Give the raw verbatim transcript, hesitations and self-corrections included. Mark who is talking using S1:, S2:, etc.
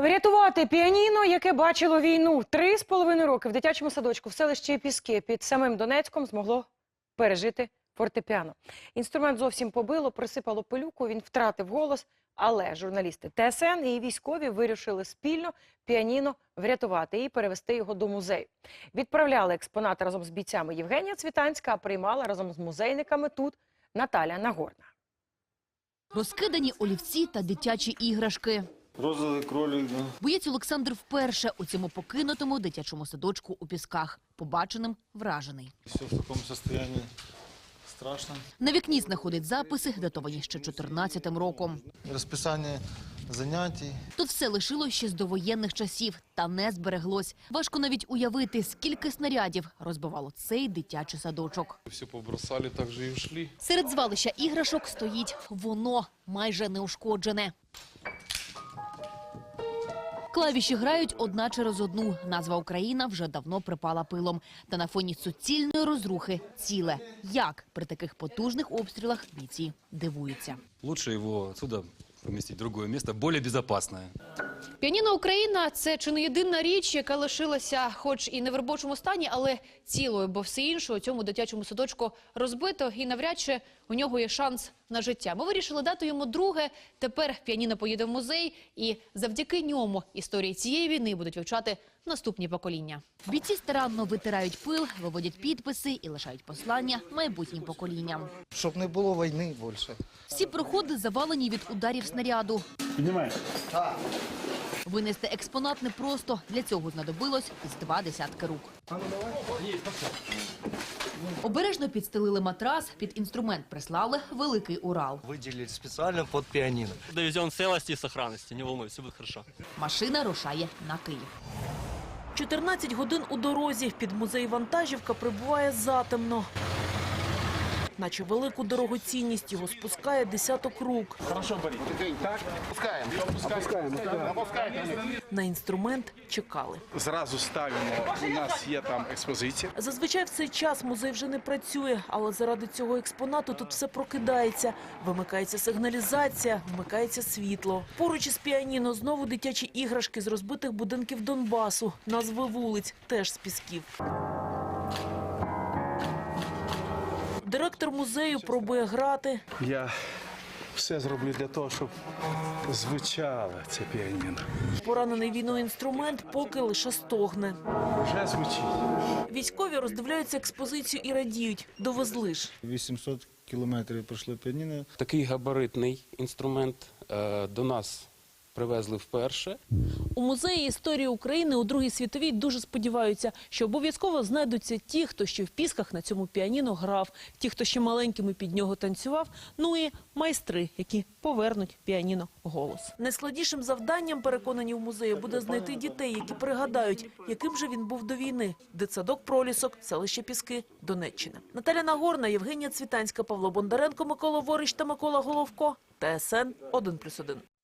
S1: Врятувати піаніно, яке бачило війну. Три з половиною роки в дитячому садочку в селищі Піски під самим Донецьком змогло пережити фортепіано. Інструмент зовсім побило, присипало пилюку, він втратив голос. Але журналісти Т С Н і військові вирішили спільно піаніно врятувати і перевести його до музею. Відправляли експонати разом з бійцями Євгенія Цвітанська, а приймала разом з музейниками тут Наталя Нагорна.
S2: Розкидані олівці та дитячі іграшки.
S3: Розовий кролик, да.
S2: Боєць Олександр вперше у цьому покинутому дитячому садочку у Пісках. Побаченим вражений.
S3: Все в такому стані страшно.
S2: На вікні знаходить записи, датовані ще чотирнадцятим роком.
S3: Розписання занятий.
S2: Тут все лишилось ще з довоєнних часів, та не збереглось. Важко навіть уявити, скільки снарядів розбивало цей дитячий садочок.
S4: Все побросали, так же і ушли.
S2: Серед звалища іграшок стоїть воно, майже неушкоджене. Клавіші грають одна через одну. Назва «Україна» вже давно припала пилом. Та на фоні суцільної розрухи ціле. Як при таких потужних обстрілах бійці дивуються.
S5: Лучше його отсюда помістити в другое місце, більш безпечне.
S6: Піаніно «Україна» – це чи не єдина річ, яка лишилася хоч і не в робочому стані, але цілою, бо все інше у цьому дитячому садочку розбито і навряд чи у нього є шанс на життя. Ми вирішили дати йому друге, тепер піаніно поїде в музей і завдяки ньому історії цієї війни будуть вивчати наступні покоління.
S2: Бійці старанно витирають пил, виводять підписи і лишають послання майбутнім поколінням.
S7: Щоб не було війни більше.
S2: Всі проходи завалені від ударів снаряду.
S3: Піднімай.
S2: Винести експонат непросто. Для цього знадобилось з два десятки рук. Обережно підстелили матрас, під інструмент прислали великий Урал.
S7: Виділили спеціально під піаніно.
S8: Довезем в целости и сохранности, не волнуйся, все будет хорошо.
S2: Машина рушає на Київ.
S9: чотирнадцять годин у дорозі. Під музей вантажівка прибуває затемно. Наче велику дорогоцінність його спускає десяток рук.
S3: Хорошо, Борис. Так, опускаємо. Опускаємо.
S9: На інструмент чекали.
S10: Зразу ставимо, у нас є там експозиція.
S9: Зазвичай в цей час музей вже не працює, але заради цього експонату тут все прокидається. Вимикається сигналізація, вмикається світло. Поруч із піаніно знову дитячі іграшки з розбитих будинків Донбасу. Назви вулиць теж з Пісків. Директор музею пробує грати.
S10: Я все зроблю для того, щоб звучало це піаніно.
S9: Поранений війною інструмент поки лише стогне.
S10: Вже звучить.
S9: Військові роздивляються експозицію і радіють. Довезли ж.
S3: вісімсот кілометрів пройшло піаніно.
S4: Такий габаритний інструмент е, до нас привезли вперше.
S9: У музеї історії України у Другій світовій дуже сподіваються, що обов'язково знайдуться ті, хто ще в Пісках на цьому піаніно грав, ті, хто ще маленькими під нього танцював, ну і майстри, які повернуть піаніно голос. Найскладнішим завданням, переконані в музеї, буде знайти дітей, які пригадають, яким же він був до війни. Дитсадок «Пролісок», селище Піски, Донеччина. Наталя Нагорна, Євгенія Цвітанська, Павло Бондаренко, Микола Ворич та Микола Головко. Т С Н один плюс один.